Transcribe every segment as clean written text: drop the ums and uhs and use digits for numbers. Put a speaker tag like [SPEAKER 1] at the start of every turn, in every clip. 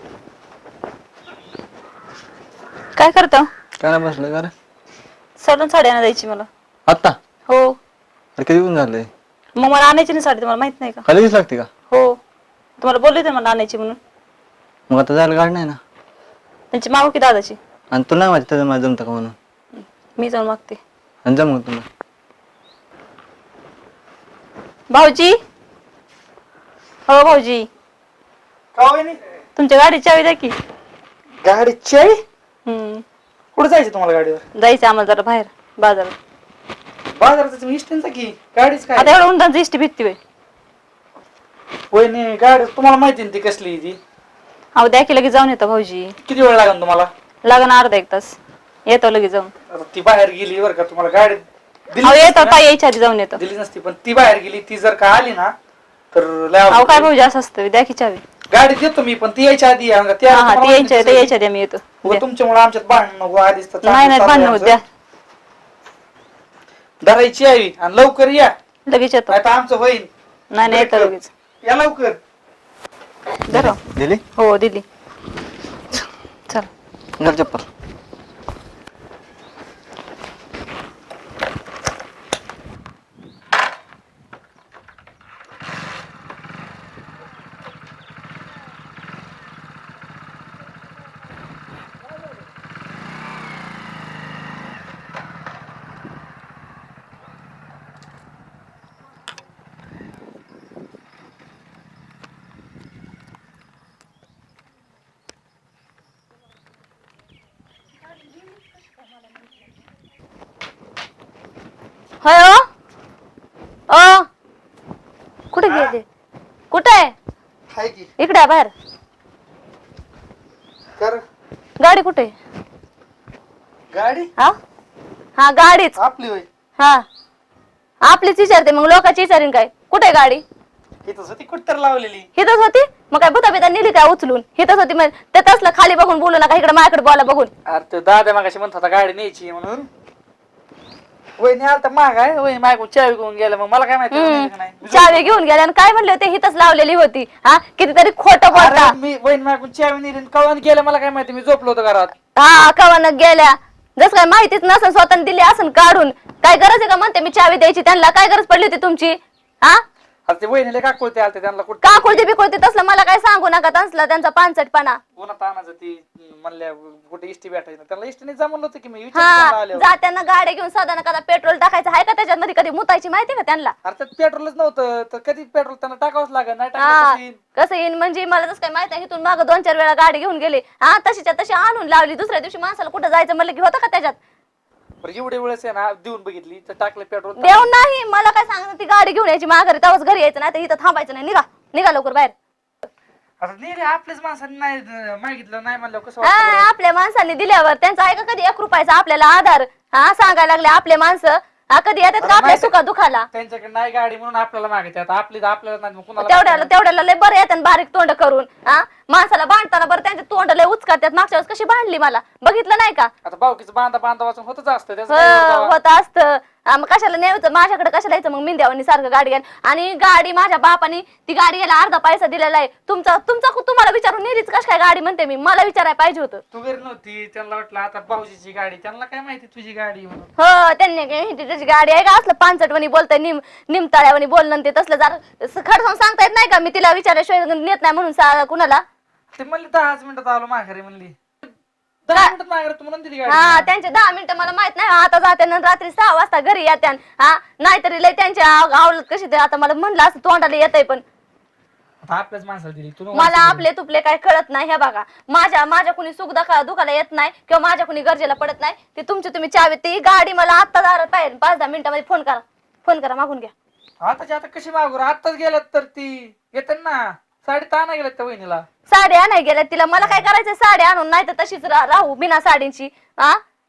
[SPEAKER 1] काय करतो?
[SPEAKER 2] काय नाही बसलं का रे?
[SPEAKER 1] सलून साडी आणा द्यायची मला.
[SPEAKER 2] आत्ता?
[SPEAKER 1] हो.
[SPEAKER 2] अरे किती ऊन झालंय?
[SPEAKER 1] मग मला आणायची नाही साडी, तुम्हाला माहित नाही का?
[SPEAKER 2] खालीच लागते का?
[SPEAKER 1] हो. तुम्हाला बोलले होते मला आणायची म्हणून.
[SPEAKER 2] मग आता जायला गाडी नाही ना.
[SPEAKER 1] त्यांची मागू की दादाची.
[SPEAKER 2] आणि तुला नाही माहिती त्याचं मला जमतं का म्हणून.
[SPEAKER 1] मी जाऊन मागते.
[SPEAKER 2] आणि जम तुला.
[SPEAKER 1] भाऊजी, हो भाऊजी,
[SPEAKER 3] का होईनी?
[SPEAKER 1] तुमच्या गाडीची चावी द्या की.
[SPEAKER 3] गाडीची आई? कुठे जायचं तुम्हाला गाडीवर?
[SPEAKER 1] जायचं आम्हाला जरा बाहेर बाजारात.
[SPEAKER 3] बाजारात इष्टींचा की गाडीच काय?
[SPEAKER 1] आता एवढं उंटांची इष्टी भीती होय.
[SPEAKER 3] वहिनी गाडी तुम्हाला माहिती ना ती कसली आहे ती?
[SPEAKER 1] अहो द्या की लगेच जाऊन येतो भाऊजी.
[SPEAKER 3] किती वेळ लागेल तुम्हाला?
[SPEAKER 1] लागण अर्धा एक तास. येतो लगेच जाऊन.
[SPEAKER 3] आता ती बाहेर गेली बरं का, तुम्हाला गाडी दिली
[SPEAKER 1] अहो
[SPEAKER 3] नसती
[SPEAKER 1] येतो
[SPEAKER 3] ना?
[SPEAKER 1] काय यायच्या आधी जाऊन येतो.
[SPEAKER 3] दिली नसती, पण ती बाहेर गेली, ती जर का आली ना तर लय
[SPEAKER 1] अहो
[SPEAKER 3] अवघड
[SPEAKER 1] काय
[SPEAKER 3] होईल.
[SPEAKER 1] भाऊजी असं असतं, द्या की चावी.
[SPEAKER 3] गाडी देतो मी, पण ती यायच्या आधी या.
[SPEAKER 1] हा हा ती यायच्या आधी आम्ही येतो. द्या.
[SPEAKER 3] तुमच्यामुळे आमच्यात भांडण नको आधीच तर
[SPEAKER 1] नाही नाही
[SPEAKER 3] चालू
[SPEAKER 1] भांडण
[SPEAKER 3] आहे
[SPEAKER 1] होत, द्या
[SPEAKER 3] आमचं. धरायची यावी आणि लवकर या,
[SPEAKER 1] लगेच येतो.
[SPEAKER 3] नाही तर आमचं होईल.
[SPEAKER 1] नाही नाही येतो लगेच.
[SPEAKER 3] या लवकर.
[SPEAKER 1] धरा.
[SPEAKER 2] दिली?
[SPEAKER 1] हो दिली. चल
[SPEAKER 2] घर चप्पल.
[SPEAKER 1] होय ओ ओ कुठे गेले? कुठे आहे?
[SPEAKER 3] हाय की
[SPEAKER 1] इकडे आहे बाहेर.
[SPEAKER 3] कर
[SPEAKER 1] गाडी कुठे आहे?
[SPEAKER 3] गाडी
[SPEAKER 1] हा हा गाडीच.
[SPEAKER 3] आपली होय.
[SPEAKER 1] हा आपलीच विचारते, मग लोकांची विचारीन काय? कुठे आहे गाडी?
[SPEAKER 3] इथंच होती कुठतर लावलेली.
[SPEAKER 1] हिथच होती. मग काय भूता बिता नेली काय उचलून? हिथच होती. मग ते तसलं खाली बघून बोलू नका, इकडे माझ्याकडे बोला बघून.
[SPEAKER 3] अरे तो दादा मागाशी म्हणत होता गाडी न्यायची म्हणून. वहिनी आलता माग आहे, वहिनी मागून चावी घेऊन गेला. मग मला काय माहिती नेली का नाही.
[SPEAKER 1] चावी घेऊन गेल्या आणि काय म्हणले होते? हिथच लावलेली होती. हा कितीतरी खोटं बोलता.
[SPEAKER 3] अरे मी वहिनी मागून चावी नेली कळून गेलं, मला काय माहिती, मी झोपलो होतो घरात.
[SPEAKER 1] हा कवानं गेल्या. जस काय माहितीच नसन, स्वतः दिली असन काढून. काय गरज आहे का म्हणते मी चावी द्यायची त्यांना? काय गरज पडली होती तुमची? हा
[SPEAKER 3] आता ते वहिनीला का कोळते आलते त्यांना कुठं
[SPEAKER 1] का खोलते बिकोलते तसलं मला काय सांगू नका. तसला त्यांचा पानसटपणा.
[SPEAKER 3] उन्हात आणायचं ती म्हणल्या कुठे इष्टी भेटायची नाही. त्यांना इष्टीने जमलं होतं की मी
[SPEAKER 1] हा
[SPEAKER 3] आले.
[SPEAKER 1] जात्यांना गाड्या घेऊन साधा कदा पेट्रोल टाकायचं आहे का त्याच्यामध्ये? कधी मुतायची माहिती का त्यांना?
[SPEAKER 3] अरे त्यात पेट्रोलच नव्हतं तर कधी पेट्रोल त्यांना टाकावंच लागेल. नाही
[SPEAKER 1] हा
[SPEAKER 3] टाकलं
[SPEAKER 1] कसं येईन म्हणजे मला तसं काय माहित नाही. इथून मागं 2-4 वेळा गाडी घेऊन गेले. हा तशीच्या तशी आणून लावली. दुसऱ्या दिवशी माणसाला कुठं जायचं म्हणलं की होतं का त्याच्यात?
[SPEAKER 3] एवढे वेळेस आहे ना देऊन बघितली तर टाकलं पेट्रोल.
[SPEAKER 1] देऊन नाही. मला काय सांगत ती गाडी घेऊन यायची माघारी, तेव्हाच घरी यायचं. नाही तर इथं थांबायचं नाही. निघा निघा लवकर बाहेर.
[SPEAKER 3] आता नेले आपल्याच माणसाने नाही मागितलं नाही म्हणलं कसं
[SPEAKER 1] हा,
[SPEAKER 3] वाटतं बरं?
[SPEAKER 1] आपल्या माणसांनी दिल्यावर त्यांचा आहे का कधी 1 रुपयाचा आपल्याला आधार? हा सांगायला लागले आपले माणसं. हा कधी येतात का आपल्या सुखा दुखाला?
[SPEAKER 3] त्यांच्याकडे नाही गाडी म्हणून आपल्याला मागितली. आता आपली तर आपल्याला नाही, मग कुणाला
[SPEAKER 1] तेवढ्याला लय बरं येतात बारीक तोंड करून. हा माणसाला बांधताना बरं त्यांचे तोंड लय उचकात्यात. मागच्या वेळेस कशी बांधली मला बघितलं नाही का?
[SPEAKER 3] आता भाऊकीचं बांधा वाचून होतच असतं त्याचं काय एवढं बाबा.
[SPEAKER 1] होत असतं. मग कशाला न्यायचं माझ्याकडे? कशाला यायचं मग मिंद्यावानी सारखं गाडी घ्यायला? आणि गाडी माझ्या बापाने ती गाडी घ्यायला अर्धा पैसा दिलेला आहे. तुम्हाला विचारून नेलीच कश काय गाडी म्हणते मी? मला विचारायला पाहिजे होतं.
[SPEAKER 3] तू घरी नव्हती, त्यांना वाटलं आता भाऊजीची गाडी, त्यांना काय माहिती तुझी गाडी म्हणून.
[SPEAKER 1] हो त्यांनी काय त्याची गाडी आहे का? असलं पानसटवणी बोलतंय, निमताळ्यावानी बोलणं ते तसलं जरा खडसावून सांगता येत नाही का? मी तिला विचारल्याशिवाय नेत नाही म्हणून कुणाला?
[SPEAKER 3] ते म्हणली 10 मिनिटात आलो माघारी म्हणली. 10 मिनिटात माघारी तू म्हणून दिली
[SPEAKER 1] हा
[SPEAKER 3] गाडी.
[SPEAKER 1] त्यांचे 10 मिनिटं मला माहित नाही. आता जाते ना रात्री 6 वाजता घरी येत्या. हा नाहीतरी लय त्यांच्या आवडत कशी ते. आता मला म्हणलं असं तोंडाला येतंय, पण
[SPEAKER 3] आता आपल्याच माणसाला दिली तू
[SPEAKER 1] मला आपले तुपले काय कळत नाही. हे बघा माझ्या कुणी सुख दुखाला येत नाही किंवा माझ्या कुणी गरजेला पडत नाही. ते तुमची तुम्ही चावी. ती गाडी मला आत्ता दारात पाहिजे. 5-10 मिनिटांमध्ये फोन करा मागून घ्या.
[SPEAKER 3] आता कशी मागू? आताच गेल्यात तर ती येतात ना. साडी ताना गेल्यात त्या वहिनीला.
[SPEAKER 1] साड्या नाही गेल्या तिला. मला काय करायचं साड्या आणून? नाही तर तशीच राहू बिना साडींची. हा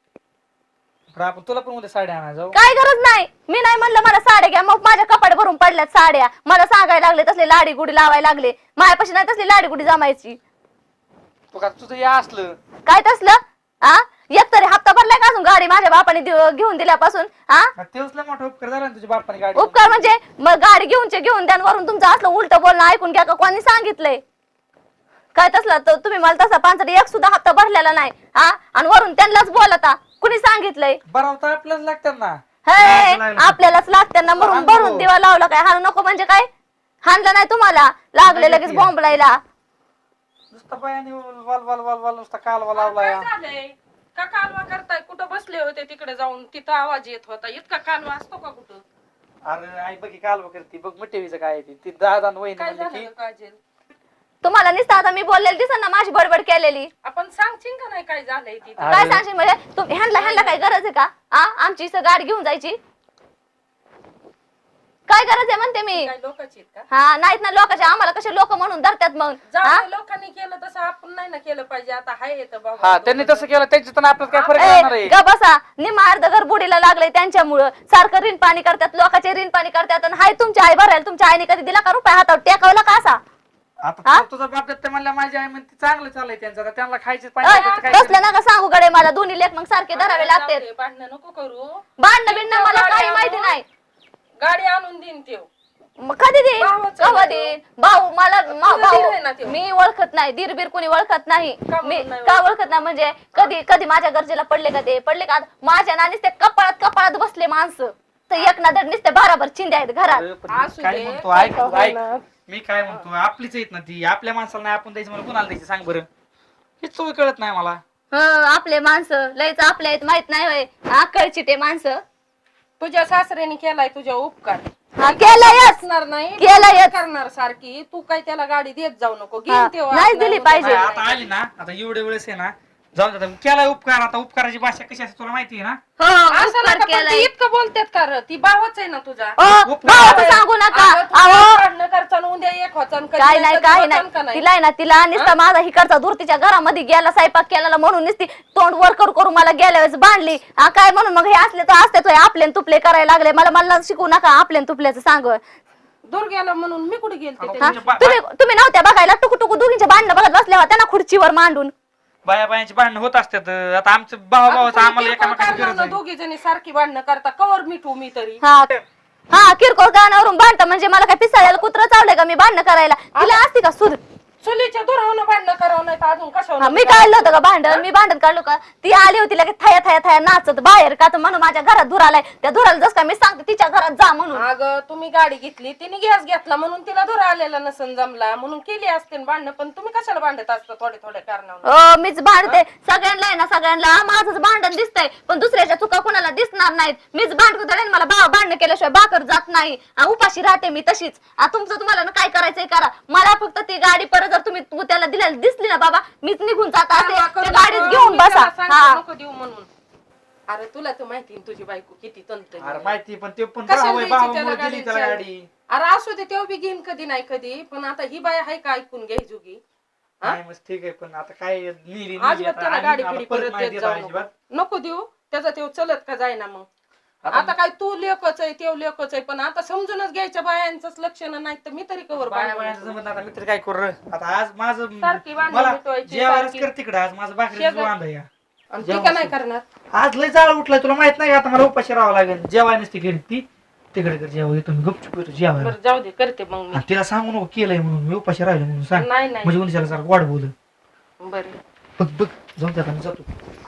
[SPEAKER 3] आपण तुला पण उद्या साडी आणा जाऊ.
[SPEAKER 1] काय गरज नाही. मी नाही म्हणलं मला साड्या घ्या. मग माझ्या कपाट भरून पडल्यात साड्या. मला सांगायला लागले तसले लाडी गुडी लावायला लागले. माझ्यापाशी नाही तसली लाडी गुडी जमायची.
[SPEAKER 3] तू का तुझं या असलं
[SPEAKER 1] काय तसलं? हा एक तरी हप्ता भरलाय का अजून गाडी माझ्या बापाने घेऊन दिल्यापासून? हा
[SPEAKER 3] तेच लय मोठा उपकार झाला ना तुझ्या बापाने गाडी.
[SPEAKER 1] उपकार म्हणजे मग गाडी घेऊन द्या. वरून तुमचं असलं उलट बोलणं ऐकून घ्या का? कोणी सांगितलंय? काय तसला तर तुम्ही मला तसा पांचट एक सुद्धा हप्ता भरलेला नाही हा आणि वरून त्यांनाच बोलता कुणी सांगितलंय
[SPEAKER 3] बरं तर आपल्याला लागतात ना.
[SPEAKER 1] हे आपल्यालाच लागते ना म्हणून भरून दिवा लावला काय हाणू नको म्हणजे काय हाणलं नाही तुम्हाला लागले लगेच बॉम्बलायला
[SPEAKER 3] नुसतं बायाने वाल वाल वाल वाल नुसता कालवा लावलाय.
[SPEAKER 4] काय झालंय का कालवा करताय? कुठं बसले होते तिकडे जाऊन तिथं आवाज येत होता. इतका कालवा असतो का कुठं?
[SPEAKER 3] अरे आई बघी कालवा करते बघ मिठेवीचं काय आहे ती दादा वहिनी
[SPEAKER 4] काय
[SPEAKER 3] म्हणले
[SPEAKER 4] झालं
[SPEAKER 3] की
[SPEAKER 4] ग काजल?
[SPEAKER 1] तुम्हाला नुसतं आता मी बोललेली दिसन ना माझी बडबड केलेली
[SPEAKER 4] आपण सांगशील का नाही काय झालंय तिथं?
[SPEAKER 3] अरे.
[SPEAKER 1] काय सांगशील म्हणजे तुम्ही ह्यांना काय गरज आहे का आमची इथं गाडी घेऊन जायची काय गरज आहे म्हणते मी
[SPEAKER 4] काय लोकांची आहेत का?
[SPEAKER 1] हा नाहीत ना लोकांचे आम्हाला कसे लोक म्हणून धरतात मग हा?
[SPEAKER 4] जाऊ लोकांनी केलं तसं आपण नाही ना केलं पाहिजे. आता हाय येतं बाबा.
[SPEAKER 3] हा त्यांनी तसं केलं त्यांच्यात आपल्याला काय फरक
[SPEAKER 1] ए,
[SPEAKER 3] राहणार आहे.
[SPEAKER 1] ग बसा निम्मा अर्ध घर बुडीला लागलंय त्यांच्यामुळं सारखं ऋण पाणी करतात लोकांचे ऋण पाणी करतात आणि हाय तुमची आई भरायला तुमच्या आईने कधी दिला का रुपये हातावर टेकवला का असा
[SPEAKER 3] आता तुझा बाप ते म्हणल्या माझी आई म्हणते चांगलं चाललंय त्यांचं आता त्यांना खायचे पाहिजे काय
[SPEAKER 1] कसलं नका सांगू गडे मला दोन्ही लेख मग सारखे धरावे लागते
[SPEAKER 4] जाऊ दे, भांडणं नको करू.
[SPEAKER 1] भांडणं बिंडणं मला काही माहिती नाही
[SPEAKER 4] गाडी आणून देईन तेव.
[SPEAKER 1] मग कधी देईन
[SPEAKER 4] भावाचं
[SPEAKER 1] कवा
[SPEAKER 4] ना
[SPEAKER 1] देईन भाऊ मला
[SPEAKER 4] दीर आहे ना त्यो.
[SPEAKER 1] मी ओळखत नाही दीर बीर कोणी ओळखत नाही
[SPEAKER 4] का
[SPEAKER 1] मी
[SPEAKER 4] म्हणून नाही
[SPEAKER 1] का ओळखत नाही म्हणजे कधी कधी माझ्या गरजेला पडले का ते पडले का माझ्या नानीच ते कपाळात बसले माणसं तर एक ना धड नुसते भाराभर चिंध्या आहेत घरात
[SPEAKER 4] असू
[SPEAKER 3] काय
[SPEAKER 4] दे,
[SPEAKER 3] म्हणतो ऐक
[SPEAKER 4] काय
[SPEAKER 3] तू, ऐक
[SPEAKER 4] होणार?
[SPEAKER 3] मी काय म्हणतो आपलीच येत ना ती आपल्या माणसाला नाही आपण द्यायची मला कुणाला द्यायची सांग बरं हेच सोय कळत नाही मला.
[SPEAKER 1] आपले माणसं लयच आपल्या आहेत माहित नाही होय आकळची ते माणसं
[SPEAKER 4] तुझ्या सासऱ्याने केलाय तुझ्या उपकार.
[SPEAKER 1] हा केलंयच
[SPEAKER 4] असणार नाही
[SPEAKER 1] केलंयच.
[SPEAKER 4] करणार सारखी तू काय त्याला गाडी देत जाऊ नको.
[SPEAKER 1] हा,
[SPEAKER 4] घेईन तेव्हा
[SPEAKER 1] नाही
[SPEAKER 4] आपल्याला
[SPEAKER 1] दिली
[SPEAKER 4] उद्या
[SPEAKER 1] पाहिजे.
[SPEAKER 3] नाही,
[SPEAKER 4] बाहेर
[SPEAKER 3] आता आली ना आता एवढे वेळेस आहे ना जाऊन जाता केलाय उपकार आता उपकाराची भाषा कशी असते तुला माहिती आहे ना.
[SPEAKER 1] हो
[SPEAKER 4] असं
[SPEAKER 1] उपकार
[SPEAKER 4] नका पण
[SPEAKER 1] केलाय.
[SPEAKER 4] ती इतकं बोलतात का र? ती भावच आहे ना तुझा.
[SPEAKER 1] भावाचं सांगू नका
[SPEAKER 4] अगं, तू
[SPEAKER 1] अहो
[SPEAKER 4] भांडणं करतान, उद्या एक वाचन कधी
[SPEAKER 1] काय नाही
[SPEAKER 4] कधी
[SPEAKER 1] काय
[SPEAKER 4] वाचन का
[SPEAKER 1] नाही तिला आहे ना तिला नुसता माझा हिकडचा दूर तिच्या घरामध्ये गेला स्वयंपाक केला म्हणून नुसती तोंड वर करू करू मला गेल्या वेळेस बांधली हा काय म्हणून मग हे असले तर असते आपले तुपले करायला लागले मला शिकू नका आपले तुपल्याचं सांग
[SPEAKER 4] दूर गेला म्हणून मी कुठे गेलते
[SPEAKER 3] अगं,
[SPEAKER 4] त्या
[SPEAKER 3] तुमच्या बा-
[SPEAKER 1] तुम्ही नव्हत्या बघायला टुकू टुकू दोघींच्या भांडणं बघत बसल्या होत्या ना खुर्चीवर मांडून
[SPEAKER 3] बाया बायांची भांडणं होत असतात आता आमचं भावा भावाचं आम्हाला एकामेकाची गरज आहे.
[SPEAKER 4] दोघी जणी सारखी भांडणं करता कवर मिठू मी तरी.
[SPEAKER 1] हा किरकोळ कारणावरून भांडतं म्हणजे मला काय पिसाळ्याला कुत्र चावलंय का मी भांडणं करायला तिला असती का सुध
[SPEAKER 4] चुलीच्या दुरावनं भांडणं करावं नाही तर अजून
[SPEAKER 1] हा,
[SPEAKER 4] कशावर
[SPEAKER 1] मी काढलं होतं का भांडण मी भांडण काढलो का ती आली होती लगेच थया थया थया नाचत बाहेर का तर म्हणून माझ्या घरात धुर आलाय त्या धुराला जस का मी सांगते तिच्या घरात जा म्हणून
[SPEAKER 4] अगं तुम्ही गाडी घेतली तिने गॅस घेतला म्हणून तिला धुरा आलेला नसन जमला म्हणून केली असते भांडणं. पण तुम्ही कशाला भांडत असता थोडे थोडे कारणावर?
[SPEAKER 1] मीच भांडते सगळ्यांना आहे ना सगळ्यांना माझंच भांडण दिसतंय पण दुसऱ्याच्या चुका कोणाला दिसणार नाहीत मीच भांडते मला भांडण केल्याशिवाय भाकर जात नाही उपाशी राहते मी तशीच तुमचं तुम्हाला ना काय करायचंय करा मला फक्त ती गाडी परत जर तुम्ही त्याला दिल्याला दिसली ना बाबा मीच निघून जात असते त्या गाडीत घेऊन बसा हा
[SPEAKER 4] नको देऊ म्हणून. अरे तुला तर माहिती आहे तुझी बायको किती तंत.
[SPEAKER 3] अरे माहिती पण ते पण
[SPEAKER 4] कशाला
[SPEAKER 3] भाऊ आहे,
[SPEAKER 4] द्यायची त्याला
[SPEAKER 3] भावामुळे दिली त्याला
[SPEAKER 4] गाडी?
[SPEAKER 3] गाडी.
[SPEAKER 4] अरे असू दे तेव्हा बी घेईन कधी नाही कधी. पण आता ही बाय आहे का ऐकून घ्याय जुगी?
[SPEAKER 3] नाही मग ठीक आहे पण आता काय नेली
[SPEAKER 4] अजिबात त्याला गाडी पिढी परत देत जाऊ नको.
[SPEAKER 3] अजिबात
[SPEAKER 4] नको देऊ त्याचा तेव्हा चलत का जायना मग. आता काय तू लेखच आहे तेव लेखच आहे पण आता समजूनच घ्यायच्या बायांचंच लक्षण नाही तर मी तरी कवर
[SPEAKER 3] बाया बायांचं जमत आता मित्र काय करू रे? आता आज माझं
[SPEAKER 4] सारखी भांडणं
[SPEAKER 3] मला
[SPEAKER 4] मिटवायची,
[SPEAKER 3] जेवायलाच
[SPEAKER 4] सारखी.
[SPEAKER 3] कर तिकडं आज माझं भाकरी
[SPEAKER 4] शेजार-
[SPEAKER 3] वांदा या
[SPEAKER 4] आणि ती का नाही करणार?
[SPEAKER 3] आज लय जाळ उठलाय तुला माहित नाही का आता मला उपाशी राहावं लागेल जेवाय नसते घरी ती तिकडे कर जेवा येतो मी गुपचूप येतो जेवायला
[SPEAKER 4] बरं जाऊ दे करते मग मी.
[SPEAKER 3] आणि तिला सांगू नको केलंय म्हणून मी उपाशी राहिले म्हणून सांग
[SPEAKER 4] नाही नाही
[SPEAKER 3] म्हणजे उन्हाळ्याला सारखं वाढ बोल
[SPEAKER 4] बरं
[SPEAKER 3] बघ बघ जाऊन त्यात आम्ही जातो